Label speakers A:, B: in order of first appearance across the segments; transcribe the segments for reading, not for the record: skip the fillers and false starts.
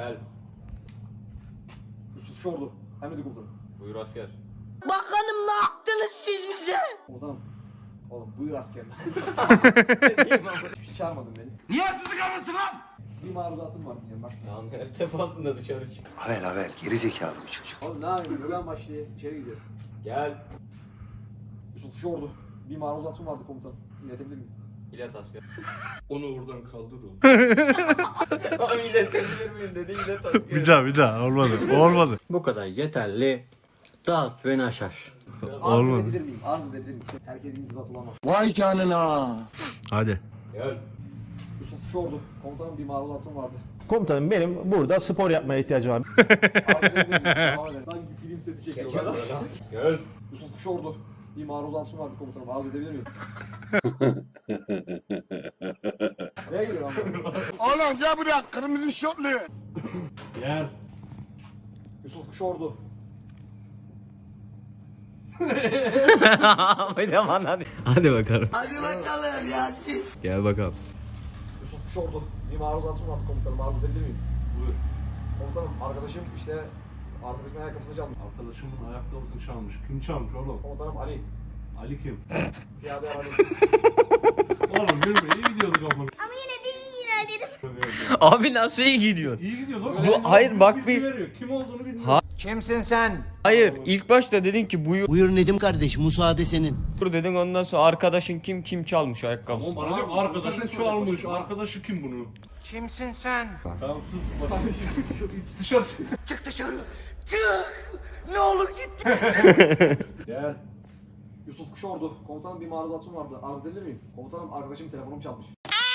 A: Gel.
B: Yusuf Şordu. Emredin komutanım.
A: Buyur asker.
C: Bakanım ne yaptınız siz bize?
B: Komutanım. Oğlum buyur askerler. Hiç çağırmadın beni.
D: Niye haksızlık yapıyorsun lan?
B: Bir maruzatım var diyeceğim bak.
A: Lan her defasında dışarı çık.
E: Havel geri zekalı bir çocuk.
B: Oğlum ne yapayım? Buradan başlayayım. İçeri gireceğiz.
A: Gel.
B: Yusuf Şordu. Bir maruzatım vardı komutanım. İletebilir miyim?
A: İlet asker.
D: Onu oradan kaldır oğlum.
A: Abi iletebilir miyim dedi ilet asker.
F: Bir daha olmadı. Olmadı.
G: Bu kadar yeterli. Dağıt beni aşar.
B: Arz
F: Olmadı.
B: edebilir miyim? Arz edebilir miyim? Herkes inzibat olamaz.
E: Vay canına.
F: Hadi.
A: Gel.
B: Yusuf Şordu. Komutanım bir maruzatım vardı.
H: Komutanım benim burada spor yapmaya ihtiyacım var.
B: Arz edebilir miyim? Devam edelim. Sanki film seti
A: Geçer
B: çekiyorlar.
A: böyle lan. Gel.
B: Yusuf Şordu. Bir maruzatım vardı komutanım. Arz edebilir miyim? Nereye gidiyor lan?
E: Oğlum gel buraya kırmızı şortlu.
D: Gel.
B: Yusuf Şordu.
F: Hadi bakalım.
C: Hadi bakalım Yasin.
F: Gel bakalım.
B: Yusuf Şordu. Bir maruzatım vardı komutanım. Arz edebilir miyim?
D: Buyur.
B: Komutanım arkadaşım işte arkadaşımın ayakkabısını çalmış.
D: Arkadaşımın ayakkabısını çalmış. Kim çalmış oğlum?
B: Komutanım Ali.
D: Ali kim?
B: Piyade Ali.
D: Oğlum yürüme iyi gidiyorduk ama.
I: Abi nasıl iyi gidiyor?
D: İyi gidiyoruz oğlum.
I: Bu- hayır, bak
D: bilgi
I: bir-
D: veriyor. Kim olduğunu bilmiyorum.
E: Kimsin sen?
I: Hayır, ilk başta dedin ki buyur
E: Buyur Nedim kardeş, müsaade senin.
I: dedin, ondan sonra arkadaşın kim çalmış ayakkabısı.
D: Oğlum bana diyor arkadaşın çalmış. Arkadaşı kim bunu?
E: Kimsin sen?
D: Tamam sus. Bakın. Dışarı çık.
E: Çık dışarı. Çık. Ne olur git.
D: Gel.
B: Yusuf Şordu. Komutanım bir maruzatım vardı. Arz edebilir miyim? Komutanım arkadaşım telefonumu çalmış.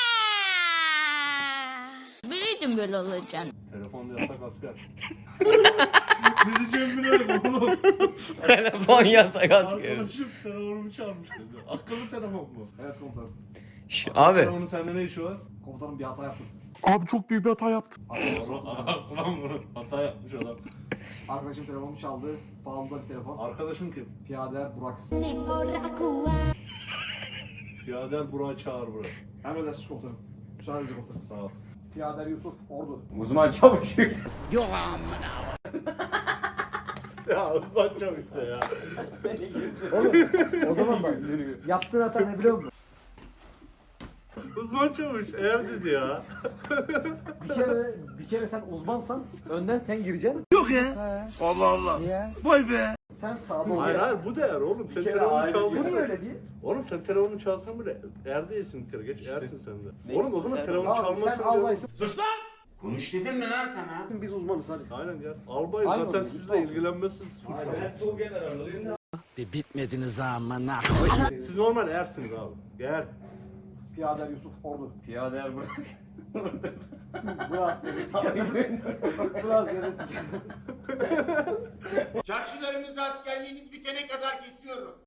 C: Biliyordum böyle olacağını.
D: Telefonda yasak asker. Ne diyeceğimi bilemedim oğlum.
I: Telefon yasak asker.
D: Arkadaşım telefonumu çalmış dedi. Akıllı telefon mu?
B: Evet komutanım.
I: Abi
D: Telefonun sende ne işi var?
B: Komutanım bir hata yaptım.
H: Abi çok büyük bir hata yaptım.
D: Ulan bunu hata yapmış adam.
B: Arkadaşım telefonumu çaldı. Pahalı da bir telefon.
D: Arkadaşın kim?
B: Piyade Burak.
D: Piyader Burak'ı çağır buraya.
B: Emredersiniz komutanım. Müsaadenizle komutanım.
D: Sağ ol.
B: Piyader Yusuf Ordu.
A: Uzman çavuş yüksek.
D: Ya uzman çavuş işte ya.
B: Oğlum o zaman bak. Yaptığın hata ne biliyor musun?
D: Uzman çavuş eğer dedi ya.
B: Bir kere sen uzmansan önden sen gireceksin.
E: Allah Allah.
B: Niye?
E: Vay be.
B: Sen sağda
D: Hayır
B: olacaksın.
D: hayır bu değer oğlum. Sen
B: kere
D: telefonunu
B: ayrı. Bu niye
D: çalmışsın.
B: öyle değil?
D: Oğlum sen telefonunu çalsan bile er değilsin bir kere geç ersin sen de. Oğlum o zaman telefonu
B: Tamam sen
D: çalmasın.
B: albaysın.
E: Konuş dedim mi lan sana?
B: Biz uzmanız hadi.
D: Aynen gel. Albay
B: Aynen
D: zaten
B: oğlum,
D: sizle
B: tamam.
D: ilgilenmezsiniz. Suç var.
E: Bir bitmediniz amına.
D: Siz normal ersiniz abi. Gel.
B: Piyader Yusuf Ordu.
A: Piyader bırak.
B: Bu askeri sikerim. Bu askeri sikerim.
J: Çarşılarınızı askerliğiniz bitene kadar kesiyorum.